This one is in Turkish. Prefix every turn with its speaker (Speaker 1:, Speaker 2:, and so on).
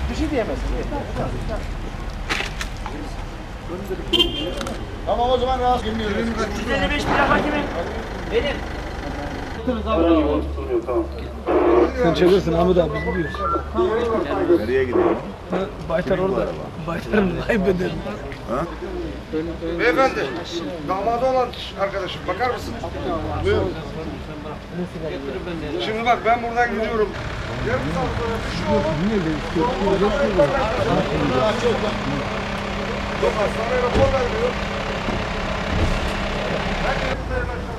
Speaker 1: Bir şey diyemezsin. Tamam o zaman rahat girmiyoruz.
Speaker 2: 155 plaka kimin? Benim.
Speaker 3: Sen çevirsin Ahmet abi biz gidiyoruz.
Speaker 4: Nereye gidiyorsun?
Speaker 3: Baytar orada. Baytar'ın kaybederim.
Speaker 4: Ha?
Speaker 1: Beyefendi, damadı olan arkadaşım bakar mısın? Buyur. Şimdi bak ben buradan gidiyorum. Yarım saat sonra bir şey olur. Çok hastaneye rapor veriyor.